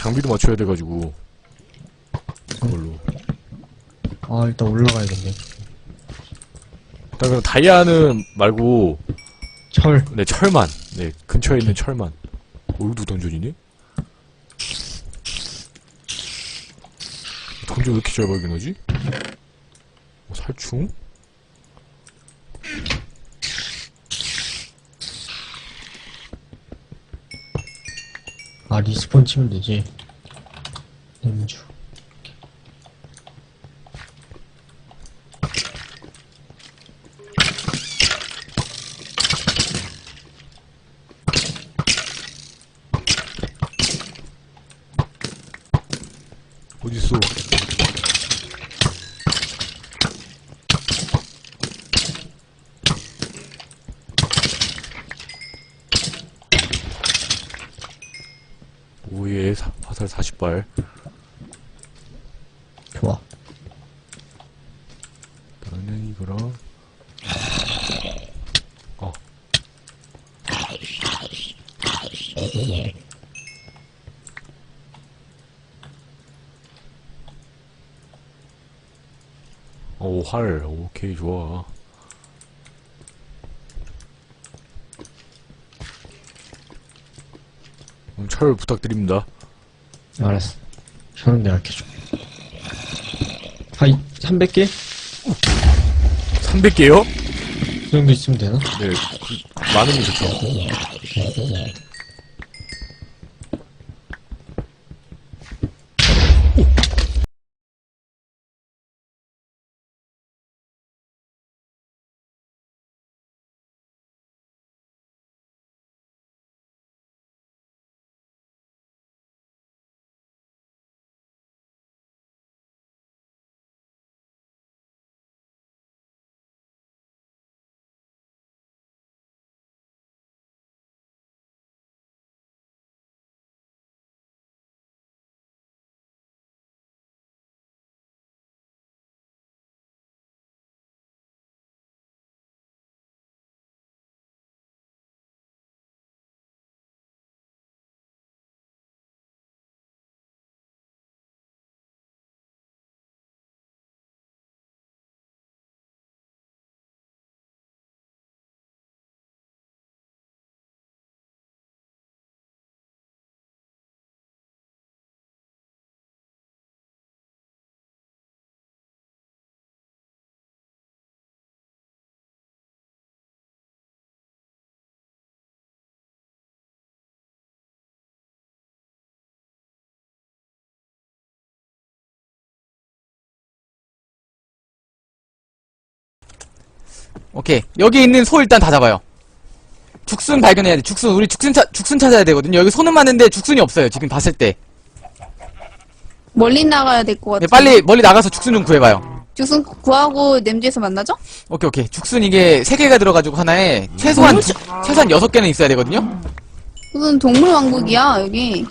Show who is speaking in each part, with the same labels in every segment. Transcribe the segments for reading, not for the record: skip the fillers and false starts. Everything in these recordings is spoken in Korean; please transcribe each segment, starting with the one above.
Speaker 1: 장비도 맞춰야 돼가지고 그걸로.
Speaker 2: 아, 일단 올라가야겠네.
Speaker 1: 일단 그럼 다이아는 말고
Speaker 2: 철.
Speaker 1: 네 철만. 네 근처에 있는 철만. 여기도 던전이네? 던전 왜 이렇게 잘 발견하지? 살충?
Speaker 2: 아, 리스폰 치면 되지. 냄주.
Speaker 1: 어딨어? 오예 화살 40발.
Speaker 2: 좋아.
Speaker 1: 나는 이거랑 오, 활. 오케이, 좋아. 철 부탁드립니다.
Speaker 2: 알았어. 저는 내가 켜줘. 하이, 300개?
Speaker 1: 300개요?
Speaker 2: 그 정도 있으면 되나?
Speaker 1: 네, 많으면 좋죠.
Speaker 3: 오케이. 여기 있는 소 일단 다 잡아요. 죽순 발견해야 돼. 죽순. 우리 죽순 찾아야 되거든요. 여기 소는 많은데 죽순이 없어요. 지금 봤을 때.
Speaker 4: 멀리 나가야 될 것
Speaker 3: 네,
Speaker 4: 같아.
Speaker 3: 빨리 멀리 나가서 죽순 좀 구해봐요.
Speaker 4: 죽순 구하고 냄지에서 만나죠?
Speaker 3: 오케이, 오케이. 죽순 이게 3개가 들어가지고 하나에 최소한 6개는 있어야 되거든요?
Speaker 4: 무슨 동물 왕국이야 여기.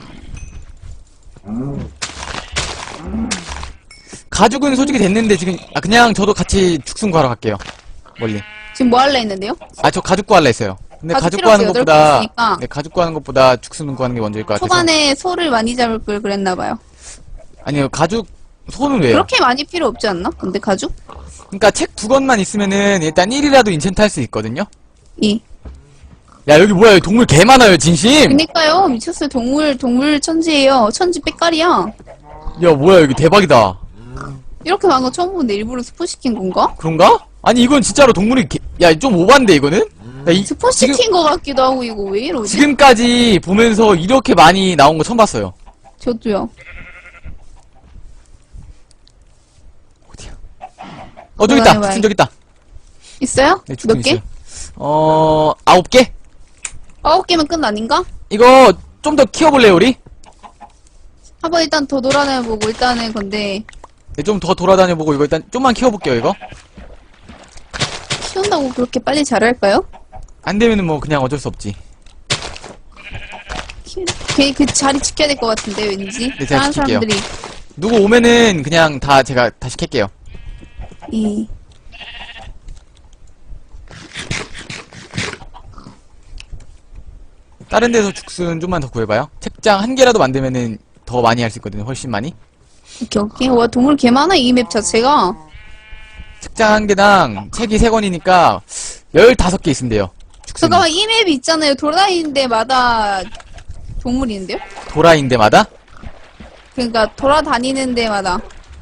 Speaker 3: 가죽은 솔직히 됐는데 지금, 그냥 저도 같이 죽순 구하러 갈게요. 멀리.
Speaker 4: 지금 뭐 할래 했는데요?
Speaker 3: 저 가죽 구할라 했어요. 근데
Speaker 4: 가죽
Speaker 3: 가죽
Speaker 4: 필요 없어요.
Speaker 3: 구하는
Speaker 4: 여덟
Speaker 3: 것보다,
Speaker 4: 개 있으니까.
Speaker 3: 네, 가죽 구하는 것보다 죽순 구하는 게 먼저일 것 같아서.
Speaker 4: 초반에 소를 많이 잡을 걸 그랬나봐요.
Speaker 3: 아니요, 소는 왜요?
Speaker 4: 그렇게 많이 필요 없지 않나? 근데 가죽?
Speaker 3: 그니까 책 2권만 있으면은 일단 1이라도 인챈트 할 수 있거든요?
Speaker 4: 이.
Speaker 3: 야, 여기 뭐야, 여기 동물 개 많아요, 진심!
Speaker 4: 그니까요. 미쳤어요. 동물 천지예요. 천지 빽깔이야.
Speaker 3: 야, 뭐야, 여기 대박이다.
Speaker 4: 이렇게 많은 거 처음 보는데 일부러 스포 시킨 건가?
Speaker 3: 그런가? 아니, 이건 진짜로 동물이 야, 좀 오반데, 이거는? 야,
Speaker 4: 스포 시킨 거 같기도 하고 이거 왜 이러지?
Speaker 3: 지금까지 보면서 이렇게 많이 나온 거 처음 봤어요.
Speaker 4: 저도요.
Speaker 3: 어디야? 저기 있다.
Speaker 4: 해봐요.
Speaker 3: 죽순 저기 있다.
Speaker 4: 있어요?
Speaker 3: 네, 죽순
Speaker 4: 몇 개?
Speaker 3: 있어요. 9개?
Speaker 4: 9개면 끝 아닌가?
Speaker 3: 이거 좀 더 키워볼래요, 우리?
Speaker 4: 한번 일단 더 돌아다녀보고 일단은 근데
Speaker 3: 네, 좀 더 돌아다녀보고 이거 일단 좀만 키워볼게요, 이거.
Speaker 4: 키운다고 그렇게 빨리 자랄까요?
Speaker 3: 안 되면은 뭐 그냥 어쩔 수 없지.
Speaker 4: 괜히 그 자리 지켜야 될 것 같은데 왠지
Speaker 3: 네, 제가
Speaker 4: 다른
Speaker 3: 지킬게요.
Speaker 4: 사람들이
Speaker 3: 누구 오면은 그냥 제가 다시 캘게요.
Speaker 4: 이
Speaker 3: 다른 데서 죽순 좀만 더 구해봐요. 책장 1개라도 만들면은 더 많이 할 수 있거든요. 훨씬 많이.
Speaker 4: 오케이, 오케이. 와, 동물 개 많아, 이 맵 자체가.
Speaker 3: 책장 한 개당 책이 3권이니까 15개 있으면 돼요. 축순이.
Speaker 4: 잠깐만, 이 맵이 있잖아요. 돌아다니는 데마다 동물이 있는데요?
Speaker 3: 도라인 데마다?
Speaker 4: 그러니까, 돌아다니는 데마다.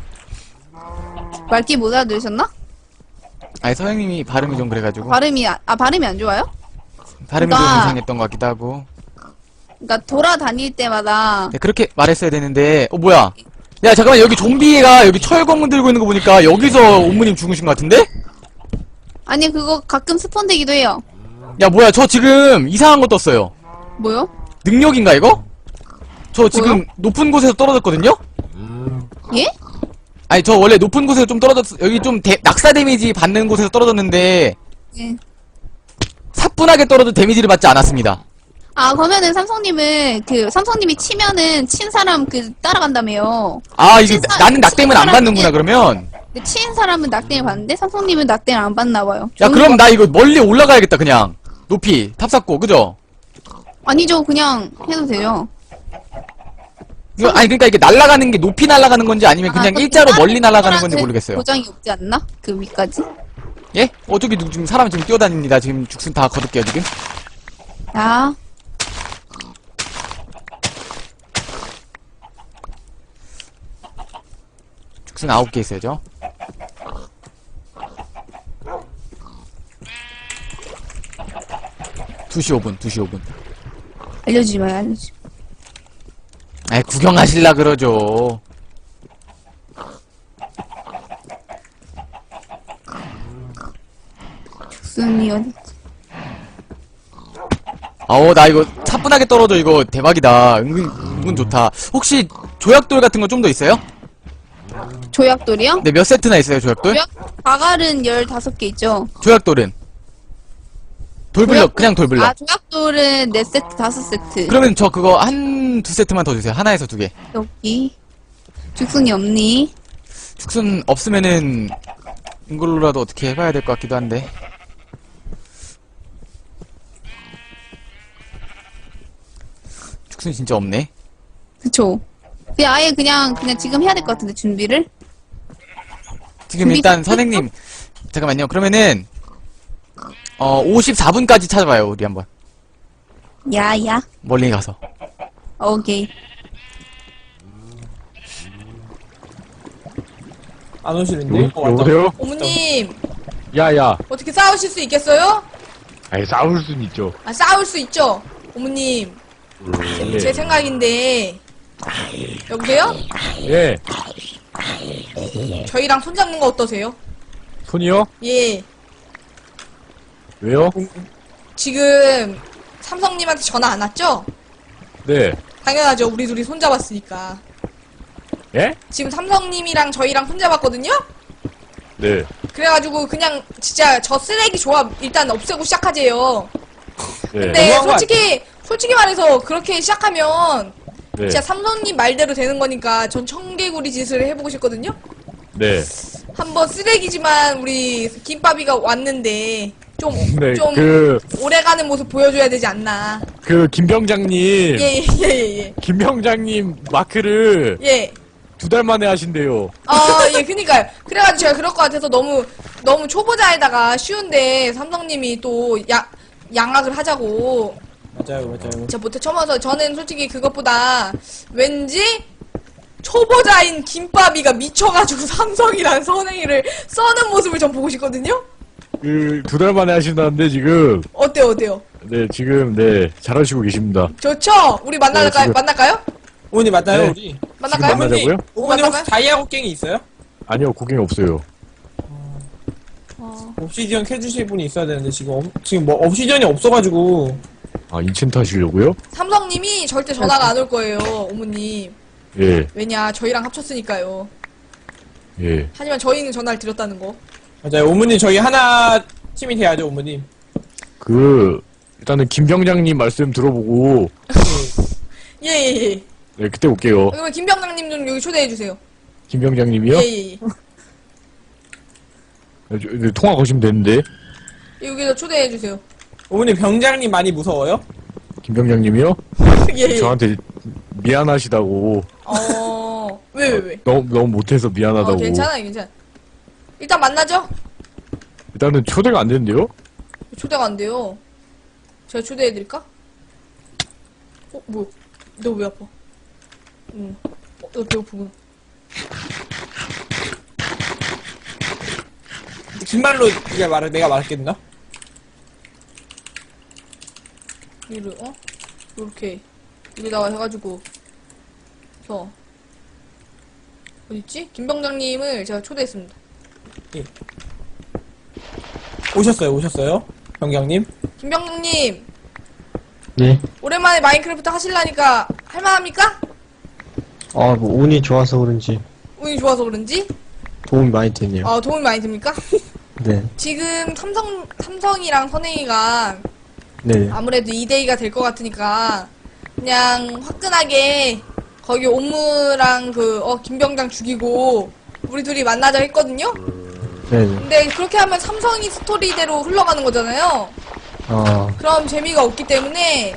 Speaker 4: 말귀 못 알아들으셨나?
Speaker 3: 아니, 서영님이 발음이 좀 그래가지고.
Speaker 4: 발음이, 발음이 안 좋아요?
Speaker 3: 발음이 좀
Speaker 4: 그러니까-
Speaker 3: 이상했던 것 같기도 하고.
Speaker 4: 그러니까, 돌아다닐 때마다.
Speaker 3: 네, 그렇게 말했어야 되는데, 뭐야. 야, 잠깐만, 여기 좀비가 여기 철검 들고 있는 거 보니까 여기서 옴무님 죽으신 것 같은데?
Speaker 4: 아니, 그거 가끔 스폰되기도 해요.
Speaker 3: 야, 뭐야, 저 지금 이상한 거 떴어요.
Speaker 4: 뭐요?
Speaker 3: 능력인가, 이거? 저 지금
Speaker 4: 뭐요?
Speaker 3: 높은 곳에서 떨어졌거든요?
Speaker 4: 예?
Speaker 3: 아니, 저 원래 높은 곳에서 좀 여기 좀 낙사 데미지 받는 곳에서 떨어졌는데,
Speaker 4: 예.
Speaker 3: 사뿐하게 떨어져 데미지를 받지 않았습니다.
Speaker 4: 아, 그러면은 삼성님은, 삼성님이 치면은, 친 사람 따라간다며요.
Speaker 3: 아, 이게
Speaker 4: 친사-
Speaker 3: 나는 낙댐을 안
Speaker 4: 친사람이-
Speaker 3: 받는구나, 그러면.
Speaker 4: 근데 친 사람은 낙댐을 받는데, 삼성님은 낙댐을 안 받나봐요.
Speaker 3: 야, 그럼 나 이거 멀리 올라가야겠다, 그냥. 높이, 탑 쌓고, 그죠?
Speaker 4: 아니죠, 그냥 해도 돼요.
Speaker 3: 이거, 아니, 그러니까 이게 날아가는 게 높이 날아가는 건지 아니면 그냥
Speaker 4: 그럼
Speaker 3: 일자로
Speaker 4: 다른
Speaker 3: 멀리 날아가는 건지
Speaker 4: 동물한테
Speaker 3: 모르겠어요.
Speaker 4: 보장이 없지 않나? 그 위까지?
Speaker 3: 예? 저기 지금 사람 지금 뛰어다닙니다. 지금 죽순 다 거둘게요, 지금.
Speaker 4: 야,
Speaker 3: 죽순 9개 있어야죠. (2시 5분) 2시 5분.
Speaker 4: 알려주지 마요, 알려주지 마.
Speaker 3: 아이, 구경하실라 그러죠.
Speaker 4: 죽순이 어디?
Speaker 3: 나 이거 차분하게 떨어져. 이거 대박이다. 은근 좋다. 혹시 조약돌 같은 거 좀 더 있어요?
Speaker 4: 조약돌이요?
Speaker 3: 네, 몇 세트나 있어요, 조약돌?
Speaker 4: 바갈은 15개 있죠.
Speaker 3: 조약돌은? 돌블럭, 그냥 돌블럭.
Speaker 4: 아, 조약돌은 4세트, 5세트.
Speaker 3: 그러면 저 그거 두 세트만 더 주세요. 하나에서 2개.
Speaker 4: 여기. 죽순이 없니?
Speaker 3: 죽순 없으면은 이걸로라도 어떻게 해봐야 될 것 같기도 한데. 죽순이 진짜 없네.
Speaker 4: 그쵸. 그냥 아예 그냥 지금 해야 될 것 같은데, 준비를?
Speaker 3: 지금
Speaker 4: 준비
Speaker 3: 일단
Speaker 4: 됐어?
Speaker 3: 선생님, 잠깐만요. 그러면은 54분까지 찾아봐요. 우리 한번
Speaker 4: 야.
Speaker 3: 멀리 가서.
Speaker 4: 오케이.
Speaker 5: 안 오시는데? 왔다.
Speaker 1: 여보세요?
Speaker 6: 어머님
Speaker 1: 야야.
Speaker 6: 어떻게 싸우실 수 있겠어요?
Speaker 1: 아니 싸울 순 있죠.
Speaker 6: 아 싸울 수 있죠. 어머님 제 생각인데 여보세요?
Speaker 1: 예.
Speaker 6: 저희랑 손잡는 거 어떠세요?
Speaker 1: 손이요?
Speaker 6: 예
Speaker 1: 왜요?
Speaker 6: 지금 삼성님한테 전화 안 왔죠?
Speaker 1: 네.
Speaker 6: 당연하죠. 우리 둘이 손잡았으니까.
Speaker 1: 예?
Speaker 6: 지금 삼성님이랑 저희랑 손잡았거든요?
Speaker 1: 네.
Speaker 6: 그래가지고 그냥 진짜 저 쓰레기 조합 일단 없애고 시작하재요.
Speaker 1: 네.
Speaker 6: 근데
Speaker 5: 너무한 거
Speaker 6: 솔직히 말해서 그렇게 시작하면
Speaker 1: 네.
Speaker 6: 진짜 삼성님 말대로 되는 거니까 전 청개구리 짓을 해보고 싶거든요?
Speaker 1: 네.
Speaker 6: 한번 쓰레기지만 우리 김밥이가 왔는데 좀
Speaker 1: 네.
Speaker 6: 좀
Speaker 1: 그
Speaker 6: 오래가는 모습 보여줘야 되지 않나.
Speaker 1: 김병장님.
Speaker 6: 예.
Speaker 1: 김병장님 마크를
Speaker 6: 예.
Speaker 1: 2달 만에 하신대요.
Speaker 6: 예, 그니까요. 그래가지고 제가 그럴 것 같아서 너무 초보자에다가 쉬운데 삼성님이 또 양악을 하자고
Speaker 5: 맞아요.
Speaker 6: 진짜 못해 쳐봐서 저는 솔직히 그것보다 왠지 초보자인 김밥이가 미쳐가지고 삼성이랑 선행이를 써는 모습을 전 보고 싶거든요?
Speaker 1: 2달 만에 하신다는데 지금
Speaker 6: 어때요?
Speaker 1: 네 지금 네 잘하시고 계십니다.
Speaker 6: 좋죠? 우리
Speaker 1: 지금-
Speaker 6: 만날까요?
Speaker 5: 어머니 맞나요,
Speaker 1: 네.
Speaker 5: 우리?
Speaker 6: 만날까요?
Speaker 1: 지금 만나자고요?
Speaker 5: 어머니 혹시 다이아 곡괭이 있어요?
Speaker 1: 아니요 고객이 없어요.
Speaker 5: 옵시디언 캐주실 분이 있어야 되는데 지금 뭐 옵시디언이 없어가지고
Speaker 1: 아 인챈트 하시려고요?
Speaker 6: 삼성님이 절대 전화가 안 올 거예요, 어머님.
Speaker 1: 예.
Speaker 6: 왜냐, 저희랑 합쳤으니까요.
Speaker 1: 예.
Speaker 6: 하지만 저희는 전화를 드렸다는 거.
Speaker 5: 맞아요. 어머니 저희 하나 팀이 돼야죠, 어머님.
Speaker 1: 일단은 김병장님 말씀 들어보고
Speaker 6: 예.
Speaker 1: 네 그때 올게요.
Speaker 6: 그러면 김병장님 좀 여기 초대해주세요.
Speaker 1: 김병장님이요?
Speaker 6: 예.
Speaker 1: 통화 거시면 되는데.
Speaker 6: 여기서 초대해주세요.
Speaker 5: 어머니 병장님 많이 무서워요?
Speaker 1: 김병장님이요?
Speaker 6: 예.
Speaker 1: 저한테 미안하시다고.
Speaker 6: 왜?
Speaker 1: 너무 못해서 미안하다고.
Speaker 6: 괜찮아. 일단 만나죠?
Speaker 1: 일단은 초대가 안 되는데요?
Speaker 6: 초대가 안 돼요. 제가 초대해드릴까? 뭐야? 너 왜 아파? 너 배고프구나.
Speaker 5: 긴말로 내가 말했겠나?
Speaker 6: 이를 요렇게 여기다가 해가지고 그래서 어딨지? 김병장님을 제가 초대했습니다.
Speaker 5: 오셨어요? 병장님?
Speaker 6: 김병장님
Speaker 2: 네.
Speaker 6: 오랜만에 마인크래프트 하실라니까 할만합니까?
Speaker 2: 뭐 운이 좋아서 그런지
Speaker 6: 운이 좋아서 그런지?
Speaker 2: 도움이 많이 되네요.
Speaker 6: 도움이 많이 됩니까?
Speaker 2: 네.
Speaker 6: 지금 삼성이랑 선행이가
Speaker 2: 네.
Speaker 6: 아무래도 2대2가 될 것 같으니까 그냥 화끈하게 거기 옴무랑 김병장 죽이고 우리 둘이 만나자 했거든요?
Speaker 2: 네네.
Speaker 6: 근데 그렇게 하면 삼성이 스토리대로 흘러가는 거잖아요? 그럼 재미가 없기 때문에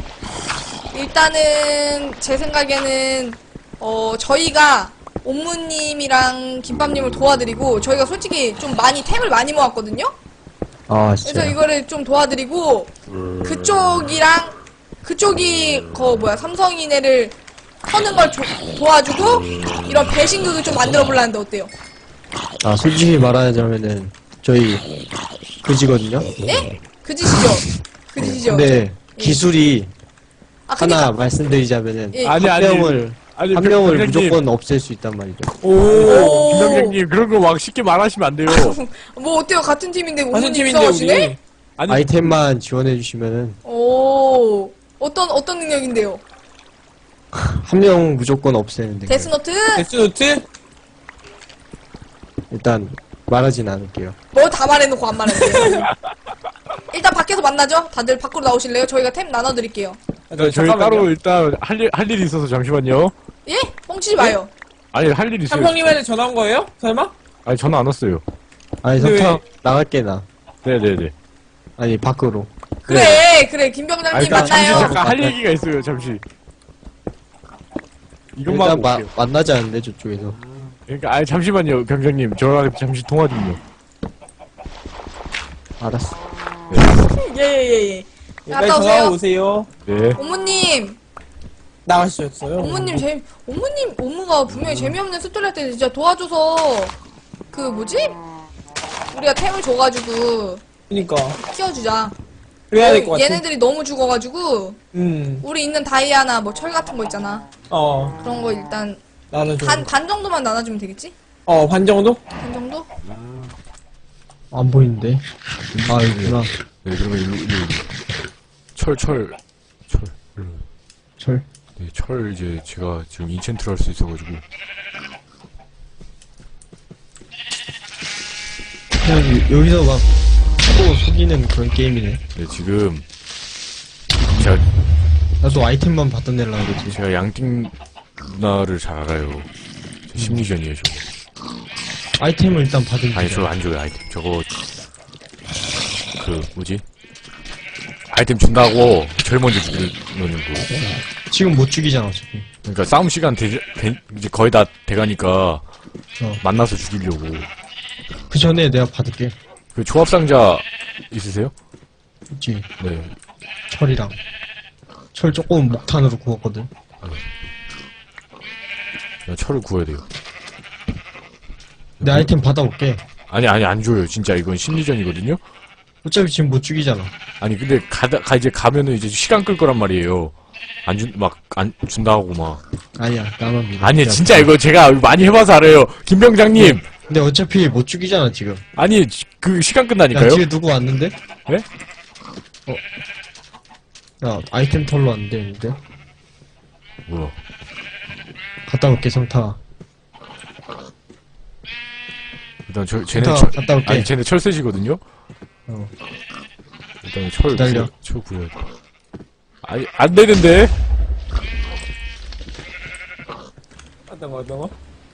Speaker 6: 일단은 제 생각에는 저희가 옴무님이랑 김밥님을 도와드리고 저희가 솔직히 좀 템을 많이 모았거든요?
Speaker 2: 진짜.
Speaker 6: 그래서 이거를 좀 도와드리고 그쪽이 삼성이네를 터는 걸 도와주고 이런 배신극을 좀 만들어 보려는데 어때요?
Speaker 2: 솔직히 말하자면은 저희 그지거든요.
Speaker 6: 예? 그짓이죠?
Speaker 2: 근데 기술이
Speaker 6: 그니까
Speaker 2: 하나 말씀드리자면은
Speaker 6: 예.
Speaker 1: 아니,
Speaker 2: 한 명을
Speaker 1: 병장님.
Speaker 2: 무조건 없앨 수 있단 말이죠.
Speaker 1: 김병장님, 그런 거 막 쉽게 말하시면 안 돼요.
Speaker 6: 뭐 어때요? 같은 팀인데
Speaker 5: 같은
Speaker 6: 오늘
Speaker 5: 팀인데
Speaker 6: 이상하시네?
Speaker 5: 우리.
Speaker 1: 아니,
Speaker 2: 아이템만 지원해 주시면은
Speaker 6: 오 어떤 능력인데요?
Speaker 2: 한 명 무조건 없애는데
Speaker 6: 데스노트?
Speaker 5: 데스노트?
Speaker 2: 일단 말하진 않을게요.
Speaker 6: 뭐 다 말해놓고 안 말했어요. 일단 밖에서 만나죠? 다들 밖으로 나오실래요? 저희가 템 나눠드릴게요.
Speaker 1: 저희 따로 일단 할 일이 있어서 잠시만요.
Speaker 6: 예? 뻥치지 마요.
Speaker 1: 아니, 할 일이 있어요.
Speaker 5: 삼성님한테 전화 온 거예요? 설마?
Speaker 1: 아니, 전화 안 왔어요.
Speaker 2: 아니
Speaker 5: 근데
Speaker 2: 석탄 나갈게 나.
Speaker 1: 네네네.
Speaker 2: 아니 밖으로.
Speaker 6: 그래 김병장님
Speaker 1: 일단 잠시
Speaker 6: 만나요.
Speaker 1: 잠깐 할 얘기가 있어요, 잠시. 이것만
Speaker 2: 일단
Speaker 1: 볼게요.
Speaker 2: 만나지 않는데 저쪽에서.
Speaker 1: 그러니까, 아니, 잠시만요, 병장님. 저랑 잠시 통화 좀요.
Speaker 2: 알았어.
Speaker 6: 예.
Speaker 5: 빨리
Speaker 6: 갔다
Speaker 5: 전화
Speaker 6: 오세요.
Speaker 5: 오세요.
Speaker 1: 네.
Speaker 6: 어머님,
Speaker 5: 나가셨어요?
Speaker 6: 어머가 분명히 재미없는 스토리 할 때 진짜 도와줘서 우리가 템을 줘가지고
Speaker 5: 그니까.
Speaker 6: 키워주자.
Speaker 5: 그래야 될 것 같아.
Speaker 6: 얘네들이 너무 죽어가지고
Speaker 5: 음.
Speaker 6: 우리 있는 다이아나 철 같은 거 있잖아. 그런 거 일단
Speaker 5: 나는 좀.
Speaker 6: 반 정도만 나눠주면 되겠지?
Speaker 5: 반 정도?
Speaker 6: 반 정도?
Speaker 2: 안 보이는데. 여기구나.
Speaker 1: 네, 그러면 일로. 철. 일로.
Speaker 2: 철.
Speaker 1: 네, 철 이제 제가 지금 인챈트를 할 수 있어가지고.
Speaker 2: 그냥 여기서 막 서로 속이는 그런 게임이네.
Speaker 1: 네, 지금
Speaker 2: 나도 아이템만 받던 애라 그러지.
Speaker 1: 제가 양띵 누나를 잘 알아요. 저 심리전이에요, 저거.
Speaker 2: 아이템을 일단 받은
Speaker 1: 아니,
Speaker 2: 게
Speaker 1: 저거 안 줘요, 아이템. 저거, 아이템 준다고 제일 먼저 죽이는 거.
Speaker 2: 지금 못 죽이잖아 어차피.
Speaker 1: 그러니까 싸움 시간 이제 거의 다 돼가니까 만나서 죽이려고.
Speaker 2: 그 전에 내가 받을게.
Speaker 1: 그 조합상자 있으세요?
Speaker 2: 있지.
Speaker 1: 네.
Speaker 2: 철이랑. 철 조금 목탄으로 구웠거든.
Speaker 1: 그냥 철을 구해야 돼요.
Speaker 2: 내 아이템 받아올게.
Speaker 1: 아니, 안 줘요. 진짜 이건 심리전이거든요?
Speaker 2: 어차피 지금 못 죽이잖아.
Speaker 1: 아니, 근데 이제 가면은 이제 시간 끌 거란 말이에요. 안 준다고 막.
Speaker 2: 아니야 나만 믿어.
Speaker 1: 아니,
Speaker 2: 그냥
Speaker 1: 진짜 이거 제가 많이 해봐서 알아요. 김병장님!
Speaker 2: 근데 어차피 못 죽이잖아 지금.
Speaker 1: 아니, 그 시간
Speaker 2: 야
Speaker 1: 끝나니까요?
Speaker 2: 뒤에 누구 왔는데?
Speaker 1: 네?
Speaker 2: 야 아이템 털러 왔는데 있는데?
Speaker 1: 뭐야.
Speaker 2: 갔다 올게 성타.
Speaker 1: 일단 쟤네
Speaker 2: 성타 갔다 올게.
Speaker 1: 아니, 쟤네 철새시거든요? 일단
Speaker 2: 기다려.
Speaker 1: 철 구해야 돼. 아니, 안 되는데?
Speaker 5: 어떤 거?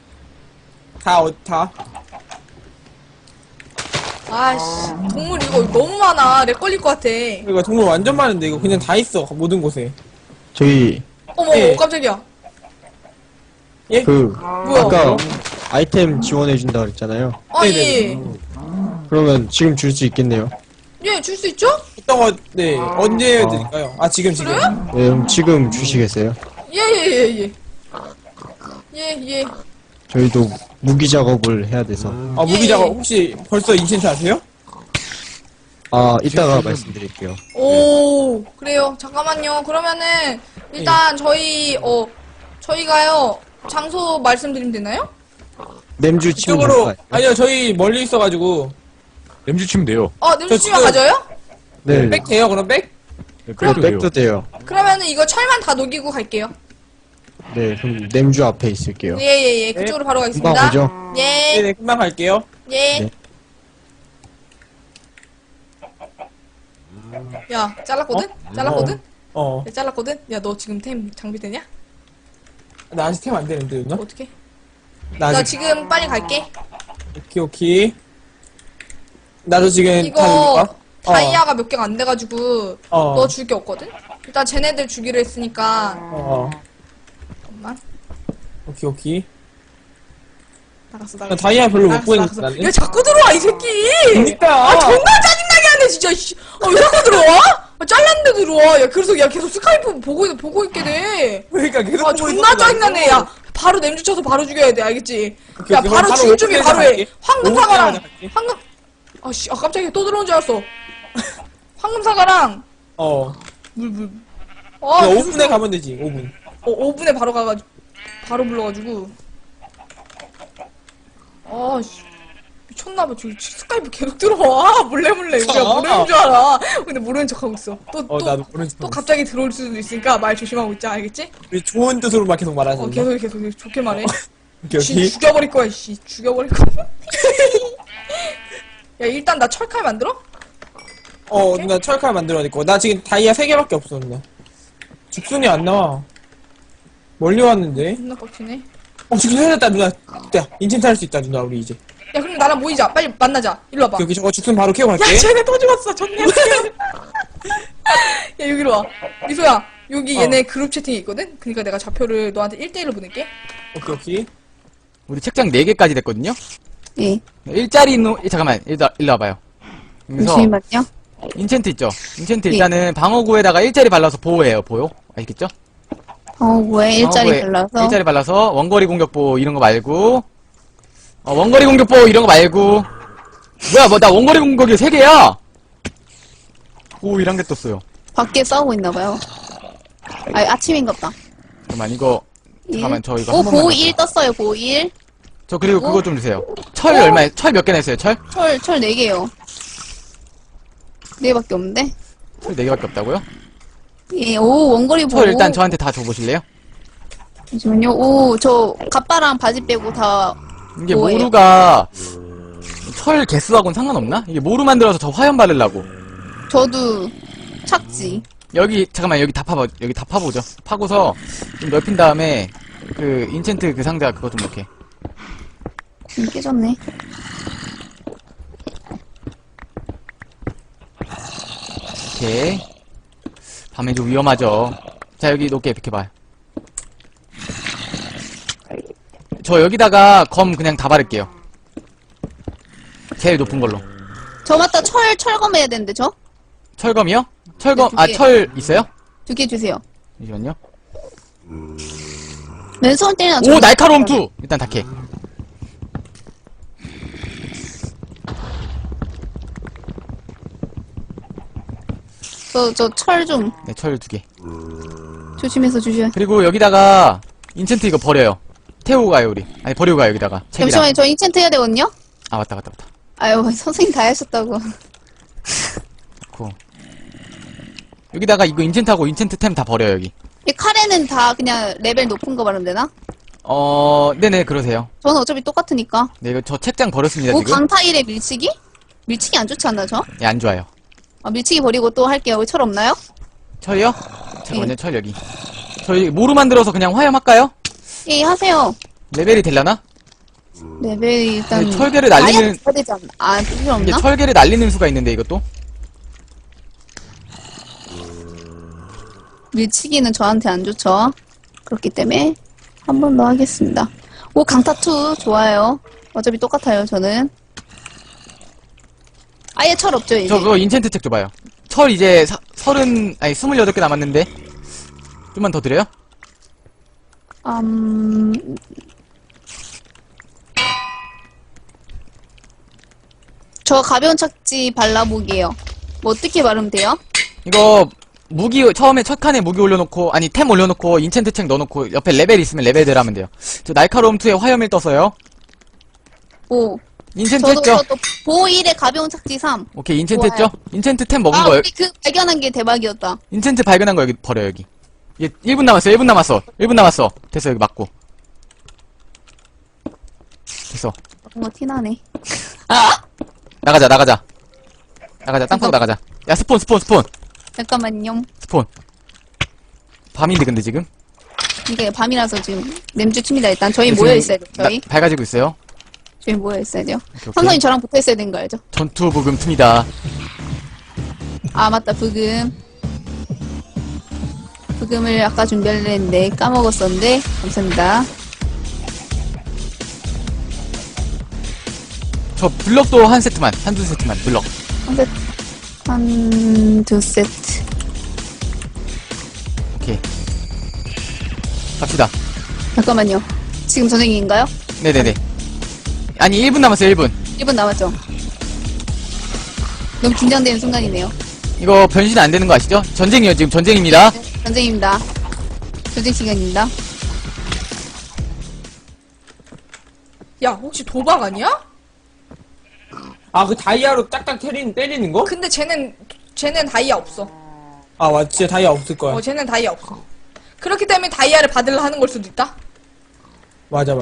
Speaker 5: 다.
Speaker 6: 아씨 동물 이거 너무 많아. 렉 걸릴 것 같아.
Speaker 5: 그러니까 동물 완전 많은데 이거 그냥 다 있어 모든 곳에.
Speaker 2: 저기
Speaker 6: 어머
Speaker 5: 예.
Speaker 6: 깜짝이야.
Speaker 5: 예?
Speaker 6: 뭐야?
Speaker 2: 아까 아이템 지원해준다 그랬잖아요.
Speaker 6: 아, 예.
Speaker 2: 그러면 지금 줄 수 있겠네요.
Speaker 6: 예, 줄 수 있죠?
Speaker 5: 어떤 거, 네. 언제 드릴까요? 아, 지금.
Speaker 2: 네, 그럼 지금 주시겠어요?
Speaker 6: 예. 예.
Speaker 2: 저희도 무기 작업을 해야 돼서.
Speaker 5: 아, 무기 작업 혹시 벌써 인챈트 하세요?
Speaker 2: 아, 이따가 말씀드릴게요.
Speaker 6: 오, 그래요. 잠깐만요. 그러면은, 일단, 저희가요, 장소 말씀드리면 되나요?
Speaker 2: 냄주 치면
Speaker 5: 이쪽으로,
Speaker 2: 될까요?
Speaker 5: 아니요, 저희 멀리 있어가지고.
Speaker 1: 램주 치면 돼요.
Speaker 6: 냄새 치면
Speaker 5: 지금-
Speaker 6: 가져요?
Speaker 2: 네,
Speaker 5: 백 돼요, 그럼 백?
Speaker 1: 네,
Speaker 2: 네,
Speaker 1: 그래도 돼요.
Speaker 2: 백도 돼요.
Speaker 6: 그러면은 이거 철만 다 녹이고 갈게요.
Speaker 2: 네, 그럼 냄주 앞에 있을게요.
Speaker 6: 예. 그쪽으로 바로
Speaker 2: 금방
Speaker 6: 가겠습니다.
Speaker 2: 오죠?
Speaker 6: 예.
Speaker 5: 네네, 금방 갈게요.
Speaker 6: 예.
Speaker 2: 네.
Speaker 6: 야, 잘랐거든? 잘랐거든?
Speaker 5: 어.
Speaker 6: 야, 잘랐거든? 야, 너 지금 템 장비되냐?
Speaker 5: 나 아직 템 안 되는데, 누나?
Speaker 6: 어떻게?
Speaker 5: 나
Speaker 6: 나
Speaker 5: 아직,
Speaker 6: 지금 빨리 갈게.
Speaker 5: 오케이. 나도 지금
Speaker 6: 이거
Speaker 5: 다
Speaker 6: 다이아가 몇 개가 안 돼가지고
Speaker 5: 어.
Speaker 6: 너 줄 게 없거든? 일단 쟤네들 주기로 했으니까 잠깐만.
Speaker 5: 오케이.
Speaker 6: 나갔어.
Speaker 5: 나 다이아 별로 못 보이는데, 나는.
Speaker 6: 야, 자꾸 들어와, 이 새끼!
Speaker 5: 그니까.
Speaker 6: 아, 존나 짜증나게 하네, 진짜, 씨. 왜 자꾸 들어와? 잘랐는데 들어와. 야, 그래서, 계속 스카이프 보고 있게 돼.
Speaker 5: 그러니까 계속
Speaker 6: 아,
Speaker 5: 보고
Speaker 6: 존나
Speaker 5: 있어가지고.
Speaker 6: 짜증나네. 야, 바로 냄주 쳐서 바로 죽여야 돼, 알겠지?
Speaker 5: 오케이,
Speaker 6: 야,
Speaker 5: 오케이.
Speaker 6: 바로
Speaker 5: 그럼
Speaker 6: 줄 준비
Speaker 5: 오픈해서
Speaker 6: 바로 해.
Speaker 5: 갈게.
Speaker 6: 황금
Speaker 5: 오픈해서
Speaker 6: 사과랑,
Speaker 5: 갈게.
Speaker 6: 아씨, 깜짝이야. 또 들어온 줄 알았어. 황금 사과랑, 물. 아,
Speaker 5: 야,
Speaker 6: 계속
Speaker 5: 5분에 가면 되지, 5분.
Speaker 6: 5분에 바로 가가지고, 바로 불러가지고. 아, 씨. 미쳤나봐. 저 스카이프 계속 들어와. 몰래. 우리가 모르는 줄 알아. 근데 모르는 척 하고 있어.
Speaker 5: 나도 모르는 척
Speaker 6: 또
Speaker 5: 하고
Speaker 6: 갑자기 들어올 수도 있으니까 말 조심하고 있자. 알겠지?
Speaker 5: 우리 좋은 뜻으로 막 계속 말하자.
Speaker 6: 계속 좋게 말해.
Speaker 5: 오케이.
Speaker 6: 씨, 죽여버릴 거야, 씨. 죽여버릴 거야. 야, 일단 나 철칼 만들어?
Speaker 5: 누나 철칼 만들어야 될 거. 나 지금 다이아 3개밖에 없어, 누나. 죽순이 안 나와. 멀리 왔는데.
Speaker 6: 존나 빡치네.
Speaker 5: 죽순 해냈다, 누나. 야, 인챈트 할 수 있다, 누나, 우리 이제.
Speaker 6: 야, 그럼 나랑 모이자. 빨리 만나자. 일로 와봐.
Speaker 5: 여기 저거 죽순 바로 캐고 갈게.
Speaker 6: 야, 쟤네 또 죽었어. 좋네. 야, 여기로 와. 미소야, 여기 얘네 그룹 채팅이 있거든? 그니까 내가 좌표를 너한테 1대1로 보낼게.
Speaker 5: 오케이.
Speaker 3: 우리 책장 4개까지 됐거든요?
Speaker 4: 예.
Speaker 3: 일자리 있는, 잠깐만, 일로 와봐요. 여기서
Speaker 4: 잠시만요.
Speaker 3: 인챈트 있죠? 인챈트 일단은 방어구에다가 일자리 발라서 보호해요, 보호. 아시겠죠?
Speaker 4: 왜 일자리
Speaker 3: 방어구에
Speaker 4: 발라서?
Speaker 3: 일자리 발라서 원거리 공격보 이런 거 말고, 원거리 공격보 이런 거 말고, 뭐야, 나 원거리 공격이 3개야! 오, 이런 게 떴어요.
Speaker 4: 밖에 싸우고 있나봐요. 아침인갑다.
Speaker 3: 잠깐만, 이거, 잠깐만, 저 이거 한
Speaker 4: 오,
Speaker 3: 번만.
Speaker 4: 보호
Speaker 3: 갈게요.
Speaker 4: 1 떴어요, 보호 1.
Speaker 3: 저 그리고 그거 좀 주세요. 철 얼마에, 철 몇 개나 있어요, 철?
Speaker 4: 철 4개요. 4개밖에 없는데?
Speaker 3: 철 4개밖에 없다고요?
Speaker 4: 예, 오, 원거리 보호.
Speaker 3: 철 일단 저한테 다 줘보실래요?
Speaker 4: 잠시만요. 오, 저, 갑바랑 바지 빼고 다,
Speaker 3: 이게
Speaker 4: 뭐예요?
Speaker 3: 모루가, 철 개수하고는 상관없나? 이게 모루 만들어서 저 화염 바르려고.
Speaker 4: 저도 찾지.
Speaker 3: 여기, 잠깐만, 여기 다 파보죠. 파고서, 좀 넓힌 다음에, 그, 인챈트 그 상자 그거 좀 이렇게.
Speaker 4: 깨졌네.
Speaker 3: 이렇게. 밤에 좀 위험하죠. 자, 여기 높게 비켜봐요. 저 여기다가 검 그냥 다 바를게요. 제일 높은 걸로.
Speaker 4: 저 맞다, 철검 해야 되는데, 저?
Speaker 3: 철검이요? 철검,
Speaker 4: 네, 두 개.
Speaker 3: 철 있어요?
Speaker 4: 2개 주세요.
Speaker 3: 잠시만요.
Speaker 4: 왼손 때리나
Speaker 3: 오, 날카로움 2! 일단 다 캐.
Speaker 4: 저 철 좀
Speaker 3: 네, 철 2개.
Speaker 4: 조심해서 주셔요.
Speaker 3: 그리고 여기다가, 인챈트 이거 버려요. 태우고 가요, 우리. 아니, 버리고 가요, 여기다가. 책이랑.
Speaker 4: 잠시만요, 저 인챈트 해야 되거든요?
Speaker 3: 아, 맞다.
Speaker 4: 아유, 선생님 다 하셨다고.
Speaker 3: 좋고. 여기다가 이거 인챈트하고 인챈트 템 다 버려요, 여기.
Speaker 4: 이 칼에는 다 그냥 레벨 높은 거 바르면 되나?
Speaker 3: 네네, 그러세요.
Speaker 4: 저는 어차피 똑같으니까.
Speaker 3: 네, 이거 저 책장 버렸습니다,
Speaker 4: 오,
Speaker 3: 지금.
Speaker 4: 강타일에 밀치기? 밀치기 안 좋지 않나, 저?
Speaker 3: 예, 안 좋아요.
Speaker 4: 밀치기 버리고 또 할게요. 여기 철 없나요?
Speaker 3: 철이요? 잠깐만요, 철 여기. 저희 모루 만들어서 그냥 화염할까요?
Speaker 4: 예, 하세요.
Speaker 3: 레벨이 되려나?
Speaker 4: 레벨이 일단.
Speaker 3: 근데 철개를 날리는,
Speaker 4: 다이아몬드 줘야 되지 않나? 아, 필요
Speaker 3: 이게
Speaker 4: 없나?
Speaker 3: 철개를 날리는 수가 있는데, 이것도?
Speaker 4: 밀치기는 저한테 안 좋죠. 그렇기 때문에 한 번 더 하겠습니다. 오, 강타2 좋아요. 어차피 똑같아요, 저는. 아예 철 없죠, 이제?
Speaker 3: 저 그거 인챈트 책 줘봐요. 철 이제 28개 남았는데. 좀만 더 드려요?
Speaker 4: 저 가벼운 착지 발라보기에요. 뭐 어떻게 바르면 돼요?
Speaker 3: 이거 무기 처음에 첫 칸에 무기 올려놓고 아니 템 올려놓고 인챈트 책 넣어놓고 옆에 레벨 있으면 레벨들 하면 돼요. 저 날카로움 2에 화염일 떴어요.
Speaker 4: 오.
Speaker 3: 인챈트
Speaker 4: 저도,
Speaker 3: 했죠?
Speaker 4: 저도 보호 1에 가벼운 착지 3.
Speaker 3: 오케이 인챈트
Speaker 4: 좋아요.
Speaker 3: 했죠? 인챈트 템 먹은
Speaker 4: 아,
Speaker 3: 거
Speaker 4: 우리 그 발견한 게 대박이었다.
Speaker 3: 인챈트 발견한 거 여기 버려 여기. 이게 1분 남았어 1분 남았어 1분 남았어. 됐어 여기 맞고. 됐어.
Speaker 4: 뭔가 티나네.
Speaker 3: 나가자 땅콩 나가자. 야 스폰
Speaker 4: 잠깐만요.
Speaker 3: 밤인데 근데 지금
Speaker 4: 이게 밤이라서 지금 냄주 칩니다. 일단 저희
Speaker 3: 지금
Speaker 4: 모여있어야 돼요. 저희.
Speaker 3: 밝아지고 있어요.
Speaker 4: 저희 모여있어야 돼요.
Speaker 3: 오케이.
Speaker 4: 삼성이 저랑 붙어있어야 되는 거 알죠?
Speaker 3: 전투 부금 틈이다.
Speaker 4: 아, 맞다. 부금. 부금을 아까 준비하려 했는데 까먹었었는데. 감사합니다.
Speaker 3: 저 블럭도 한 세트만 한두 세트만 블럭.
Speaker 4: 한두 세트.
Speaker 3: 오케이 갑시다.
Speaker 4: 잠깐만요. 지금 전쟁인가요?
Speaker 3: 네네네. 아니 1분 남았어요 1분.
Speaker 4: 1분 남았죠? 너무 긴장되는 순간이네요.
Speaker 3: 이거 변신 안 되는 거 아시죠? 전쟁이요 지금 전쟁입니다.
Speaker 4: 전쟁입니다. 전쟁 시간입니다.
Speaker 6: 야, 혹시 도박 아니야?
Speaker 5: 아, 그 다이아로 딱딱 때리는 거?
Speaker 6: 근데 쟤는 다이아 없어.
Speaker 5: 아, 맞, 진짜 다이아 없을 거야.
Speaker 6: 쟤는 다이아 없어. 그렇기 때문에 다이아를 받으려 하는 걸 수도 있다?
Speaker 5: 맞아.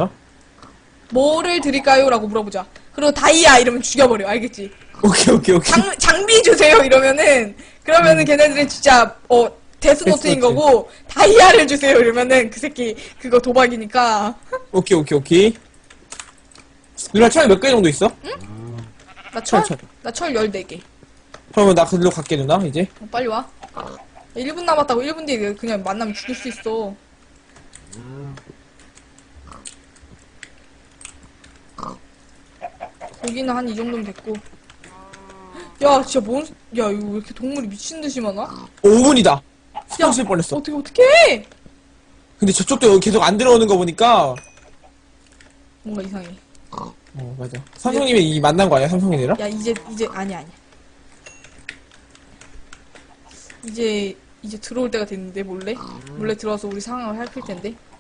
Speaker 6: 뭐를 드릴까요? 라고 물어보자. 그리고 다이아 이러면 죽여버려. 알겠지?
Speaker 5: 오케이.
Speaker 6: 장비 주세요 그러면은 걔네들은 진짜 데스노트인
Speaker 5: 데스노트.
Speaker 6: 거고 다이아를 주세요 이러면은 그 새끼 그거 도박이니까.
Speaker 5: 오케이. 누나 철 몇 개 정도 있어?
Speaker 6: 나 철
Speaker 5: 철.
Speaker 6: 14개.
Speaker 5: 그러면 나 그걸로 갈게, 누나, 이제.
Speaker 6: 빨리 와. 1분 남았다고. 1분 뒤에 그냥 만나면 죽일 수 있어. 고기는 한 이 정도면 됐고. 야, 진짜 야, 이거 왜 이렇게 동물이 미친 듯이 많아?
Speaker 5: 5분이다. 스폰 쓸 뻔했어.
Speaker 6: 어떻게?
Speaker 5: 근데 저쪽도 계속 안 들어오는 거 보니까.
Speaker 6: 뭔가 이상해.
Speaker 5: 맞아. 삼성님이 이 만난 거 아니야, 삼성이랑?
Speaker 6: 야, 이제 아니야. 이제 들어올 때가 됐는데 몰래 들어와서 우리 상황을 살필 텐데.